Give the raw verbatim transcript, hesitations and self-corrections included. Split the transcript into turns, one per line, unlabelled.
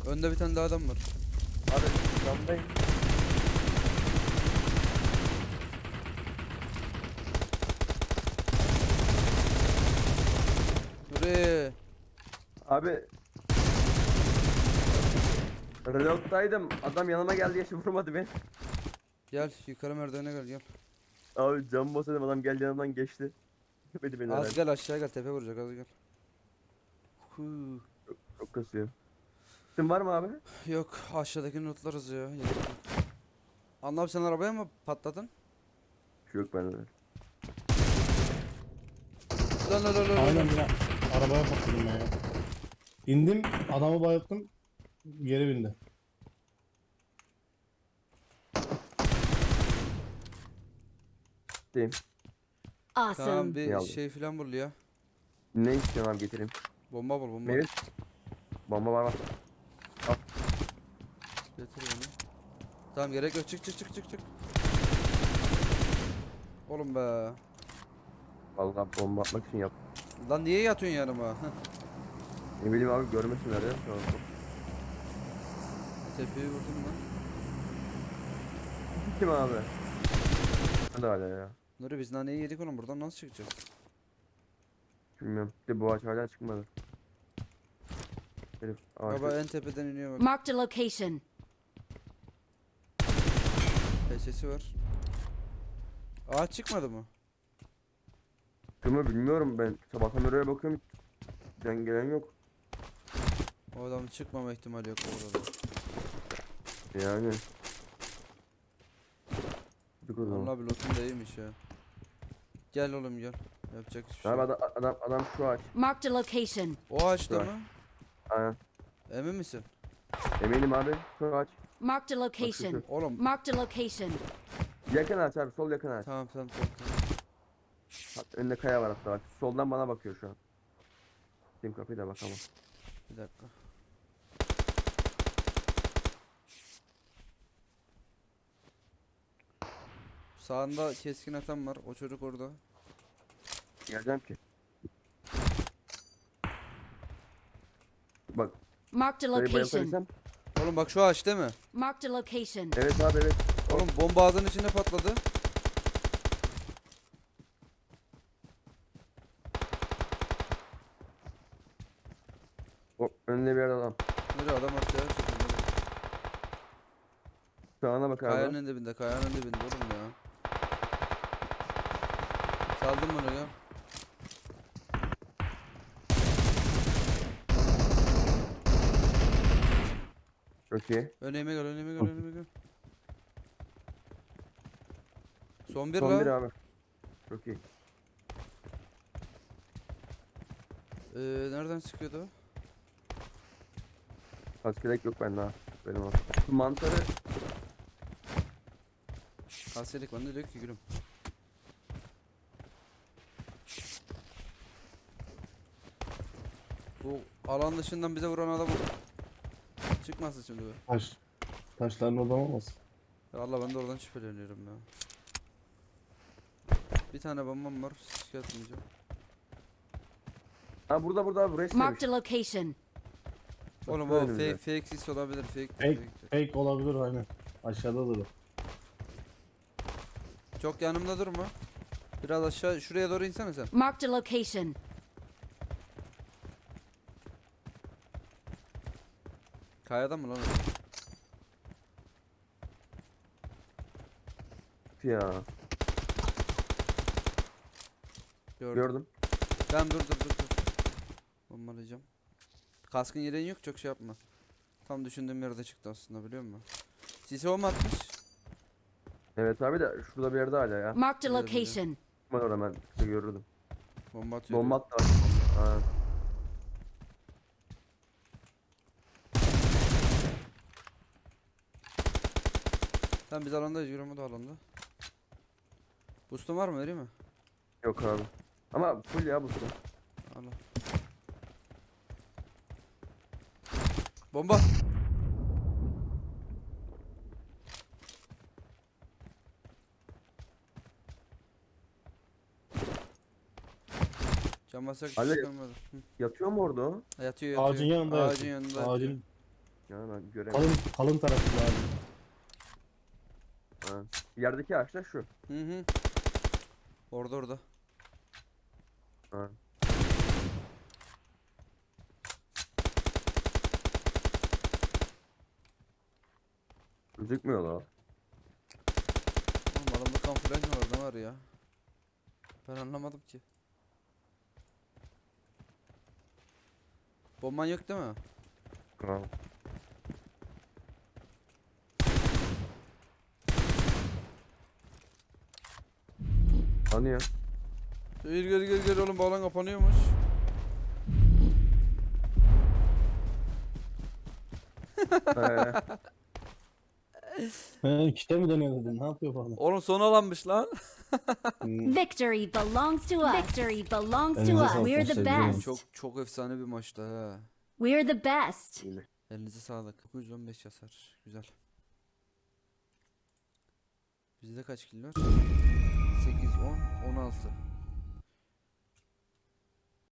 Önde bir tane daha adam var.
Abi camdayım.
Nuri.
Abi reload'daydım. Adam yanıma geldi, yaşı vurmadı beni.
Gel yukarı merdivene gel gel.
Abi cam basıyordum, adam geldi yanımdan geçti. Beni beni
Az
herhalde.
gel aşağı gel, tepe vuracak, az gel. Huu.
Çok kasıyor. Sen var mı abi?
Yok, aşağıdakini lootlarız ya. Gerek yok. Anla abi, sen arabaya mı patladın?
Şu yok bende.
Lan lan lan lan
Aynen
lan.
ya. Arabaya patladım ben ya. İndim, adamı bayılttım, geri bindi.
Deyim.
Tamam,
Awesome.
İyi
bir
aldım.
şey filan bul ya.
Ne istiyorsun abi, getireyim.
Bomba bul, bomba.
Mevlüt. Bomba var var.
Getir onu. Tamam, gerek yok, çık çık çık çık çık. Oğlum be.
Vallahi bomba atmak için yap.
Lan niye yatıyorsun yanıma?
Ne bileyim abi, görmesinler ya. Tamam.
Tepeyi vurdum lan.
Kim abi? Ben de hala ya.
Nuri, biz naneyi yedik oğlum, buradan nasıl çıkacağız?
Bilmiyorum. Bir de bu ağaç hala çıkmadı. Herif ağaç.
Baba en tepeden iniyor bak.
Marked a location.
Sesi var. Ağaç çıkmadı mı?
Kımı bilmiyorum ben. Sabahtan beri oraya bakıyorum. Giden gelen yok.
O adamın çıkmama ihtimali yok orada.
Yani. Gittik o zaman.
Allah bir lootum da iyiymiş ya. Gel oğlum gel. Yapacak hiçbir şey
Abi
yok.
adam, adam, adam şu ağaç.
Marked a location.
O ağaçta
Var.
mı?
Aynen.
Emin misin?
Eminim abi. Şu ağaç.
Marked a location.
Oğlum.
Marked a location.
Yakın ağaç abi. Sol yakın ağaç.
Tamam tamam tamam. tamam.
Bak, önünde kaya var hatta bak. Soldan bana bakıyor şu an. Kim kapıyı da bakalım.
Bir dakika. Sağında keskin atan var. O çocuk orada.
Geleceğim ki. Bak.
Marked a
Dayı
location.
bayıltabilsem.
Oğlum bak şu ağaç değil mi?
Marked a location.
Evet abi evet.
Oğlum bomba ağzının içinde patladı.
O önünde bir yerde adam.
Nereye adam attı ya?
Sağına bak abi.
Kayanın dibinde, kayanın dibinde oğlum ya. Saldım bunu ya.
Çok iyi.
Önüme gel, önüme gel, önüme gel. Son bir
Son bir
la.
abi. Çok iyi.
Ee, nereden sıkıyordu o?
Kaskelek yok bende ha. Benim o. Şu mantarı
Kalselik bende diyor ki gülüm. Bu alan dışından bize vuran adam çıkmasın şimdi be.
Taş. Taşların oradan olmasın.
Ya Allah, ben de oradan şüpheleniyorum ya. Bir tane bombam var, şikayet etmeyeceğim.
Ha burada burada abi, buraya
Marked
istemiş.
a location.
Oğlum
Böyle
o
mi
fake,
ya?
fake sis olabilir, fake.
Fake,
fake.
fake olabilir aynen. Aşağıda durur.
Çok yanımda durma. Biraz aşağı, şuraya doğru insene sen.
Marked a location.
Kayadan mı lan o?
Ya.
Gördüm.
Gördüm.
Tamam, dur dur dur dur. Bombalayacağım. Kaskın yeleğin yok, çok şey yapma. Tam düşündüğüm yerde çıktı aslında, biliyor musun? Sisi o mu atmış?
Evet abi de şurada bir yerde hala ya.
Marked a
Biliyorum, biliyorum.
location.
Ben orada ben işte görürdüm.
Bomba atıyor.
Bomba
diyor.
attı abi. Ha.
Tamam, biz alandayız, yürüme de alanda. Boost'un var mı, vereyim mi?
Yok abi. Ama full ya bu su.
Al al. Bomba. Cam basak hiç
Ali-
çıkamadı. Hı.
Yatıyor mu orada o?
Yatıyor yatıyor.
Ağacın yanında
Ağacın
yatıyor.
yanında yatıyor.
Ağacın
Ya ben göremiyorum.
Kalın kalın tarafı lazım.
Ha. Yerdeki ağaçlar şu.
Hı hı. Orada orada.
Ha. Gözükmüyor la.
Oğlum adamda kamuflaj mı var ne var ya? Ben anlamadım ki. Bomban yok değil mi?
Ha. Hani ya?
Gel gel gel gel oğlum, bağlan kapanıyormuş.
Ee,
He, kite mi dönüyor dedin? Ne yapıyor bu adam?
Oğlum son alanmış lan.
Hmm.
Victory belongs to us. Victory belongs to
Elinize
us.
sağlık,
We're the
sevgilim.
best.
Çok çok efsane bir maçtı ha.
We're the best.
iyi.
Elinize sağlık. dokuz yüz on beş hasar. Güzel. Bizde kaç kill var? sekiz, on, on altı.